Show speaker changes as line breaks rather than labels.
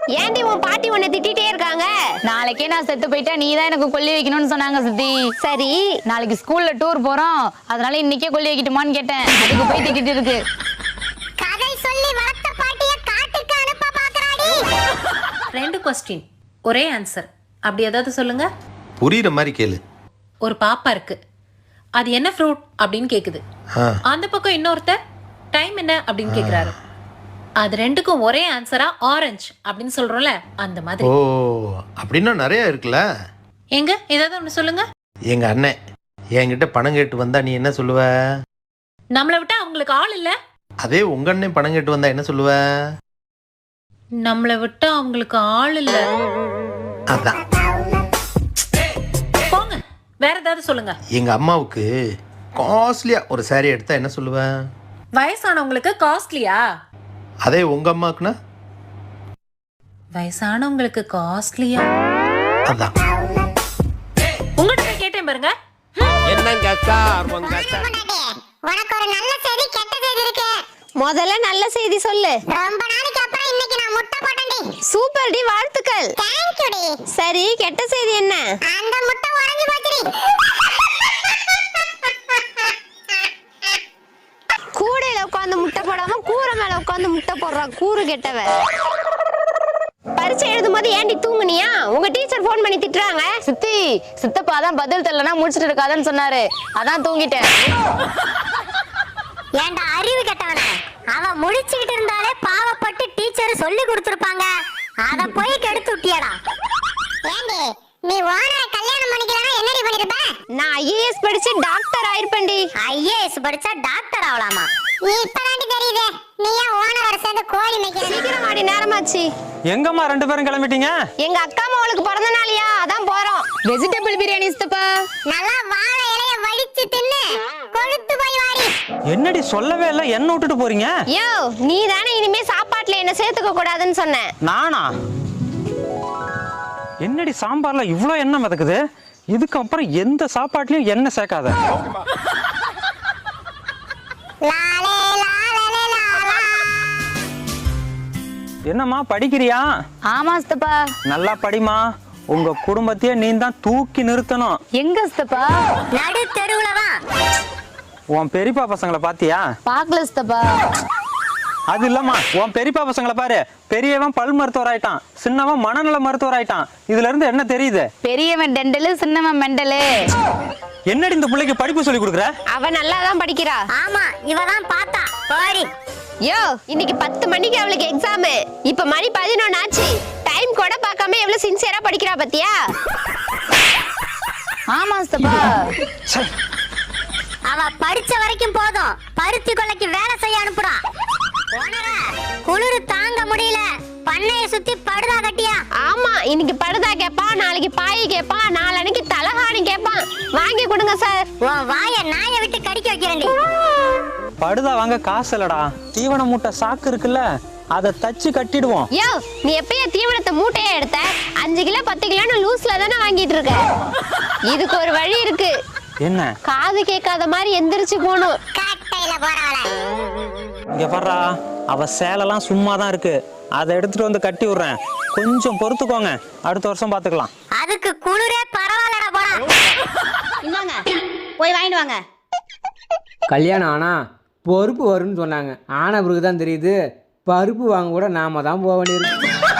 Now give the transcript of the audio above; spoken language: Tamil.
ஏன்டி உன் பாட்டி உன்னை திட்டிட்டே இருக்காங்க?
நாளைக்கே நான் செத்து போயிட்டா நீ தான் எனக்கு கொல்லி வைக்கணும்னு சொன்னாங்க சித்தி.
சரி,
நாளைக்கு ஸ்கூல்ல டூர் போறோம், அதனால இன்னைக்கே கொல்லி வைக்கட்டுமான்னு கேட்டேன். அதுக்கு போய் திட்டிட்டு இருக்கு.
கதை சொல்லி வளர்த்த பாட்டிய காட்டுக்கு அனுப்ப பாக்குறாடி.
2 கொஸ்டின் ஒரே ஆன்சர். அப்படி ஏதாவது சொல்லுங்க.
புரியுற மாதிரி கேளு.
ஒரு பாப்பா இருக்கு, அது என்ன ஃப்ரூட் அப்படின்னு கேக்குது. அந்த பக்கம் இன்னொருத்தர் டைம் என்ன அப்படின்னு கேக்குறாரு. அது ரெண்டுக்கும் ஒரே ஆன்சரா ஆரஞ்சு அப்படின்னு சொல்றோம்ல, அந்த மாதிரி.
ஓ, அப்படின்னா நிறைய இருக்குல்ல.
எங்க ஏதாவது ஒண்ணு சொல்லுங்க.
எங்க அண்ணன் என்கிட்ட பணம் கேட்டு வந்தா நீ என்ன சொல்லுவ?
நம்மளை விட்டா அவங்களுக்கு ஆள் இல்ல.
அதே உங்க அண்ணன் பணம் கேட்டு வந்தா என்ன சொல்லுவ?
நம்மளை விட்டா அவங்களுக்கு ஆள் இல்ல.
அதான்.
போங்க, வேற ஏதாவது சொல்லுங்க.
எங்க அம்மாவுக்கு காஸ்ட்லியா ஒரு சாரி எடுத்தா என்ன சொல்லுவ?
வயசானவங்களுக்கு காஸ்ட்லியா?
அதே உங்க அம்மாக்குன்னா?
வயசானவங்களுக்கு காஸ்ட்லியா?
அதான்.
உங்ககிட்ட போய் கேட்டேன் பாருங்க.
என்னங்க சார் உங்க
உனக்கு ஒரு நல்ல செய்தி கெட்ட செய்தி இருக்கு. முதல்ல நல்ல செய்தி சொல்லு. ரொம்ப நாளைக்கு அப்புறம் இன்னைக்கு நான் முட்டை போட்டேன்டி. சூப்பர் டி, வாழ்த்துக்கள். थैंक यू டி. சரி, கெட்ட செய்தி என்ன? அந்த முட்டை உடைஞ்சு போச்சுடி. கூடையில உட்கார்ந்து முட்டை போடாம கூரை மேல உட்கார்ந்து முட்டை போடுறா கூறு கெட்டவ. பரீட்சை எழுதும் போது ஏன்டி தூங்குனியா? உங்க டீச்சர் போன் பண்ணி திட்டுறாங்க.
சித்தி, சித்தப்பா தான் பதில் தெரியலனா முடிச்சிட்டு இருக்காதன்னு சொன்னாரு, அதான் தூங்கிட்டேன்.
ஏன்டா அறிவு கெட்டவனே, அவ முடிச்சிட்டு இருந்தாலே பாவப்பட்டு டீச்சர் சொல்லி கொடுத்திருப்பாங்க, அத போய் கெடுத்து விட்டியடா. ஏண்டி நீ ஓனரை கல்யாணம் பண்ணிக்கலனா என்னடி பண்ணிருப்ப? நான் ஐஏஎஸ் படிச்சு டாக்டர் ஆயிருப்பேன்டி. ஐஏஎஸ் படிச்சா டாக்டர் ஆவலாமா? நீ இப்பதாண்டி தெரியுதே, நீ ஏன் ஓனரோட சேர்ந்து கோழி மேய்க்கிற? சீக்கிரம் வாடி, நேரமாச்சு.
எங்கம்மா 2 பேரும் கிளம்பிட்டீங்க?
எங்க அக்கா மகளுக்கு பிறந்த நாளியா, அதான் போறோம்.
வெஜிடபிள் பிரியாணி சித்தப்பா.
நல்லா வாழை இலைய வடிச்சு தின்னு கொழுத்து போய் வாடி.
என்னடி சொல்லவே இல்ல, என்ன விட்டுட்டு போறீங்க?
யோ, நீ தானே இனிமே சாப்பாட்டுல என்ன சேர்த்துக்க கூடாதுன்னு சொன்ன.
நானா? என்னடி சாம்பார்ல இவ்ளோ எண்ணெய் மிதக்குது? இதுக்கப்புறம் எந்த சாப்பாட்லயும் எண்ணெய் சேர்க்காத. என்னம்மா படிக்கிறியா?
ஆமா சித்தப்பா.
நல்லா படிமா, உங்க குடும்பத்தையே நீ தான் தூக்கி நிறுத்தணும்.
எங்க சித்தப்பா?
நடு தெருவுல வா.
உன் பெரியப்பா பசங்களை பாத்தியா?
பாக்கல சித்தப்பா.
அது இல்லம்மா, உன் பெரியப்பா பசங்களை பாரு. பெரியவன் பல் மருத்துவர் ஆயிட்டான், சின்னவன் மனநல மருத்துவர் ஆயிட்டான். இதுல இருந்து என்ன தெரியுது?
பெரியவன் டெண்டலு, சின்னவன் மெண்டலு.
என்னடி இந்த பிள்ளைக்கு படிப்பு சொல்லி கொடுக்குற?
அவ நல்லா தான் படிக்கிறா. ஆமா, இவ தான் பார்த்தா பாரு. யோ, இன்னைக்கு 10 மணிக்கு அவளுக்கு எக்ஸாம். இப்ப மணி 11 ஆச்சு. டைம் கூட பார்க்காம எவ்வளவு சின்சியரா படிக்கிறா பாத்தியா?
ஆமா சித்தப்பா.
அவ படிச்ச வரைக்கும் போதும், பருத்தி கொல்லைக்கு வேலை செய்ய அனுப்புறா. குளிர் தாங்க முடியல, பண்ணைய சுத்தி படுதா கட்டியா? ஆமா, இன்னைக்கு படுதா கேப்பான், நாளைக்கு பாய் கேப்பான், நாளைக்கு தலகாணி கேப்பான். வாங்கி கொடுங்க சார். உன் வாய நாய விட்டு கடிக்க வைக்கிறேன்டி.
படுதா வாங்க காசு இல்லடா. தீவன மூட்டை சாக்கு இருக்குல்ல, அதை தச்சு கட்டிடுவோம்.
யோ, நீ எப்பயே தீவனத்தை மூட்டையா எடுத்த? 5 கிலோ 10 கிலோன்னு லூஸ்ல தானே வாங்கிட்டு இருக்க. இதுக்கு ஒரு வழி இருக்கு.
என்ன?
காது கேட்காத மாதிரி எந்திரிச்சு போகணும். கட்டையில போறாள.
இங்க பாருடா, அவ சேலெல்லாம் சும்மா தான் இருக்கு, அதை எடுத்துட்டு வந்து கட்டி விடுறேன். கொஞ்சம் பொறுத்துக்கோங்க, அடுத்த வருஷம் பாத்துக்கலாம்.
அதுக்கு குளிரே பரவாயில்லடா போடா.
இந்தாங்க, போய் வாங்கிட்டு வாங்க.
கல்யாணம் ஆனா பொறுப்பு வரும்னு சொன்னாங்க. ஆன பிறகு தான் தெரியுது, பருப்பு வாங்க கூட நாம தான் போக வேண்டியிருக்கு.